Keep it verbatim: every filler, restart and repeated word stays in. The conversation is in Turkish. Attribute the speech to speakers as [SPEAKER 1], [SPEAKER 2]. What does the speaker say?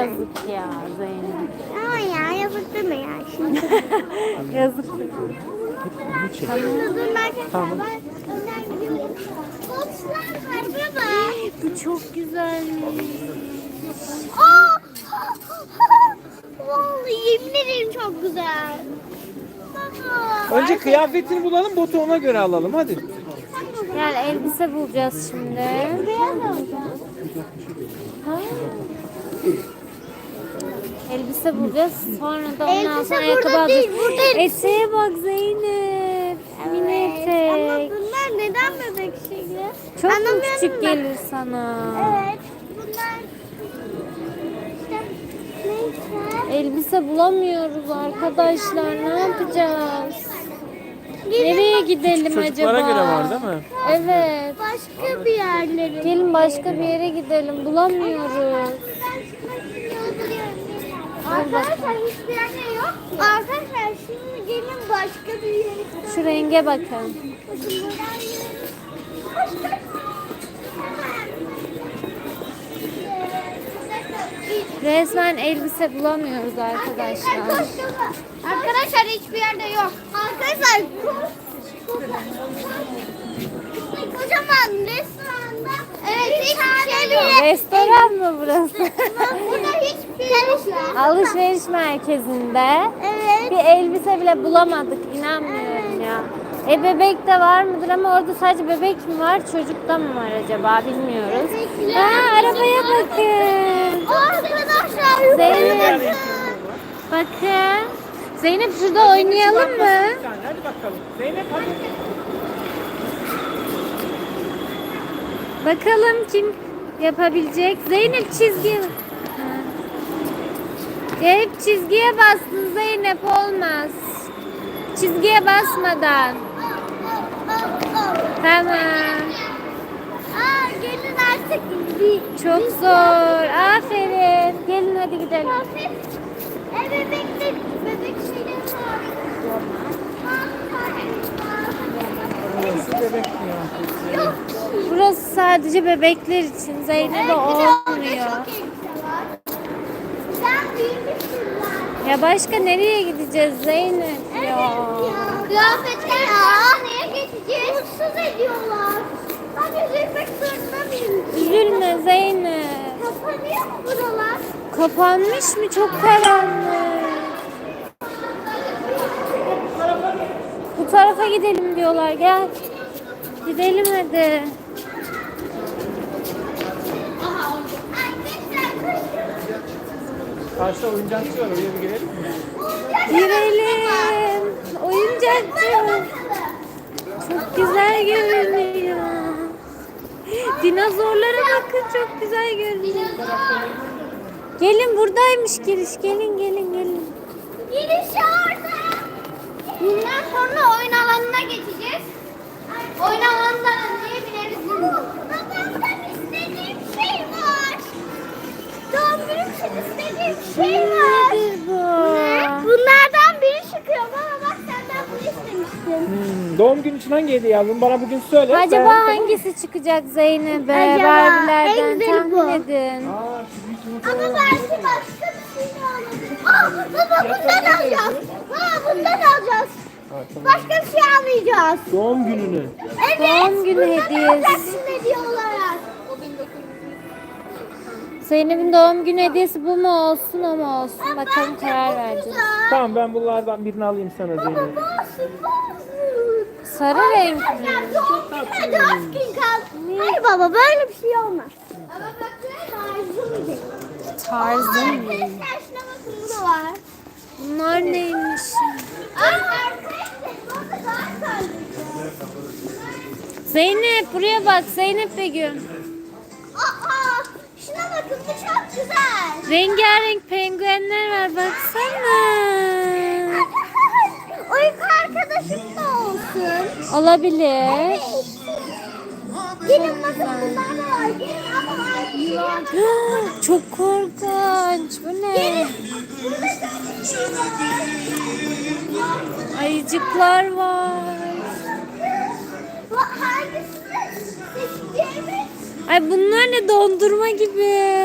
[SPEAKER 1] yazık ya Zeynep.
[SPEAKER 2] Ama ya yazık deme ya şimdi.
[SPEAKER 1] Yazık.
[SPEAKER 2] Durdurlarken
[SPEAKER 3] Tamam.
[SPEAKER 2] ben önden gidiyorum. Koçlar var baba.
[SPEAKER 1] Bu çok güzelmiş.
[SPEAKER 2] Aa! Vallahi yemin ederim çok güzel. Baba.
[SPEAKER 3] Önce kıyafetini bulalım, botu ona göre alalım hadi.
[SPEAKER 1] Yani elbise bulacağız şimdi.
[SPEAKER 2] Beyaz alacağım.
[SPEAKER 1] Ha. Elbise bulacağız. Sonra da
[SPEAKER 2] Elbise
[SPEAKER 1] ondan sonra
[SPEAKER 2] burada
[SPEAKER 1] ayakkabı alacağız.
[SPEAKER 2] değil, burada elbise.
[SPEAKER 1] Eteğe bak Zeynep. Mini
[SPEAKER 2] Ama
[SPEAKER 1] etek.
[SPEAKER 2] bunlar neden bebek şeyi?
[SPEAKER 1] Çok mu
[SPEAKER 2] Anlamıyorum
[SPEAKER 1] küçük
[SPEAKER 2] ben.
[SPEAKER 1] gelir sana?
[SPEAKER 2] Evet. Bunlar işte neyse.
[SPEAKER 1] Elbise bulamıyoruz arkadaşlar. Ne yapacağız?
[SPEAKER 2] Gelin
[SPEAKER 1] Nereye gidelim
[SPEAKER 3] Çocuklara
[SPEAKER 1] acaba?
[SPEAKER 3] göre var değil mi?
[SPEAKER 1] Evet.
[SPEAKER 2] başka bir yerlere.
[SPEAKER 1] Gelin başka bir yere gidelim. Bulamıyoruz.
[SPEAKER 2] Arkadaşlar hiçbir yerde yok ki. Arkadaşlar şimdi gelin başka bir yere.
[SPEAKER 1] Şu renge bakın.
[SPEAKER 2] Bakın buradan gidelim.
[SPEAKER 1] Resmen elbise bulamıyoruz arkadaşlar.
[SPEAKER 2] Arkadaşlar hiçbir yerde yok. Arkadaşlar kocaman restoranda evet hiçbir şey yok.
[SPEAKER 1] Restoran mı burası?
[SPEAKER 2] Burada hiçbir şey yok.
[SPEAKER 1] Alışveriş merkezinde
[SPEAKER 2] Evet.
[SPEAKER 1] bir elbise bile bulamadık. İnanmıyorum ya. E bebek de var mıdır ama orada sadece bebek mi var, çocuk da mı var acaba bilmiyoruz.
[SPEAKER 2] Bebekler.
[SPEAKER 1] Aa, arabaya bakın.
[SPEAKER 2] Arkadaşlar
[SPEAKER 1] Zeynep.
[SPEAKER 2] yukarı
[SPEAKER 1] Bakın. Zeynep şurada oynayalım mı?
[SPEAKER 3] Hadi bakalım. Zeynep hadi.
[SPEAKER 1] Bakalım kim yapabilecek. Zeynep çizgi. Ha. Hep çizgiye bastın Zeynep, olmaz. Çizgiye basmadan. Tamam.
[SPEAKER 2] Aa, gelin artık bir
[SPEAKER 1] Çok zor. Aferin. Gelin hadi gidelim.
[SPEAKER 2] E bebek de bebek şeyleri var.
[SPEAKER 3] Burası bebek kıyafeti.
[SPEAKER 2] Yok.
[SPEAKER 1] Burası sadece bebekler için. Zeynep'e olmuyor.
[SPEAKER 2] Sen büyümüşsün lan.
[SPEAKER 1] Ya başka nereye gideceğiz Zeynep ya?
[SPEAKER 2] Kıyafetler ya. Neye geçeceğiz? Mutsuz ediyorlar. Ben üzülmek zorunda mıyım?
[SPEAKER 1] Üzülme Zeynep.
[SPEAKER 2] Kapanıyor mu buralar?
[SPEAKER 1] Kapanmış mı? Çok karanlık. Bu tarafa gidelim diyorlar. Gel. Gidelim hadi.
[SPEAKER 3] Karşıda oyuncakçı var, oraya bir girelim mi?
[SPEAKER 1] Girelim. Oyuncakçı. Çok güzel görünüyor. Dinozorlara bakın, çok güzel görünüyor. Gelin, buradaymış giriş. Gelin gelin gelin.
[SPEAKER 2] Giriş orada. Bundan sonra oyun alanına geçeceğiz. Oyun alanından önce bineriz. Babamdan istediğim şey var. Doğum günüm için istediğim şey var.
[SPEAKER 1] Nedir bu?
[SPEAKER 2] Bunlardan biri çıkıyor. Baba bak senden bunu istemiştim.
[SPEAKER 3] Hmm, doğum günü için hangi hediye aldın? Bana bugün söyle.
[SPEAKER 1] Acaba
[SPEAKER 3] Ben-
[SPEAKER 1] hangisi çıkacak Zeynep'e?
[SPEAKER 2] Acaba
[SPEAKER 1] Barbie'lerden
[SPEAKER 2] en güzeli bu.
[SPEAKER 1] tahmin edin.
[SPEAKER 3] Aa, şu büyük yumurta
[SPEAKER 2] Ama
[SPEAKER 3] var.
[SPEAKER 2] belki başka bir şey de alabilir. Aa, baba bundan alacağız. Baba bundan alacağız.
[SPEAKER 3] Ha, tamam.
[SPEAKER 2] Başka bir şey almayacağız.
[SPEAKER 3] Doğum gününü.
[SPEAKER 2] Evet.
[SPEAKER 1] Doğum günü
[SPEAKER 2] bundan
[SPEAKER 1] hediyesi.
[SPEAKER 2] alacaksın hediye olarak.
[SPEAKER 1] Zeynep'in doğum günü hediyesi bu mu olsun o mu olsun? Bakalım
[SPEAKER 2] Bence
[SPEAKER 1] karar
[SPEAKER 2] bu
[SPEAKER 1] vereceğiz.
[SPEAKER 2] güzel.
[SPEAKER 3] Tamam, ben bunlardan birini alayım sana
[SPEAKER 2] Baba
[SPEAKER 3] Zeynep.
[SPEAKER 2] olsun olsun.
[SPEAKER 1] Sarı renk mi?
[SPEAKER 2] Arkadaşlar doğum gününe dört gün kaldı. Hayır baba böyle bir şey olmaz. Ama bakın tarzım değil.
[SPEAKER 1] Tarzım mı?
[SPEAKER 2] Arkadaşlar şuna bakın bu da var.
[SPEAKER 1] Bunlar neymiş?
[SPEAKER 2] Aa, arkadaşlar burada daha tarzı.
[SPEAKER 1] Zeynep buraya bak, Zeynep Begüm.
[SPEAKER 2] Aa, şuna bakın bu çok güzel.
[SPEAKER 1] Rengarenk penguenler var, baksana.
[SPEAKER 2] Uyku arkadaşım da olsun.
[SPEAKER 1] Olabilir.
[SPEAKER 2] Gelin bakın bunlar da var. Gelin ama arkadaşlar.
[SPEAKER 1] Çok korkunç. Bu ne? Ayıcıklar var.
[SPEAKER 2] Bu hangisini seçeceğimi
[SPEAKER 1] Ay bunlar ne, dondurma gibi.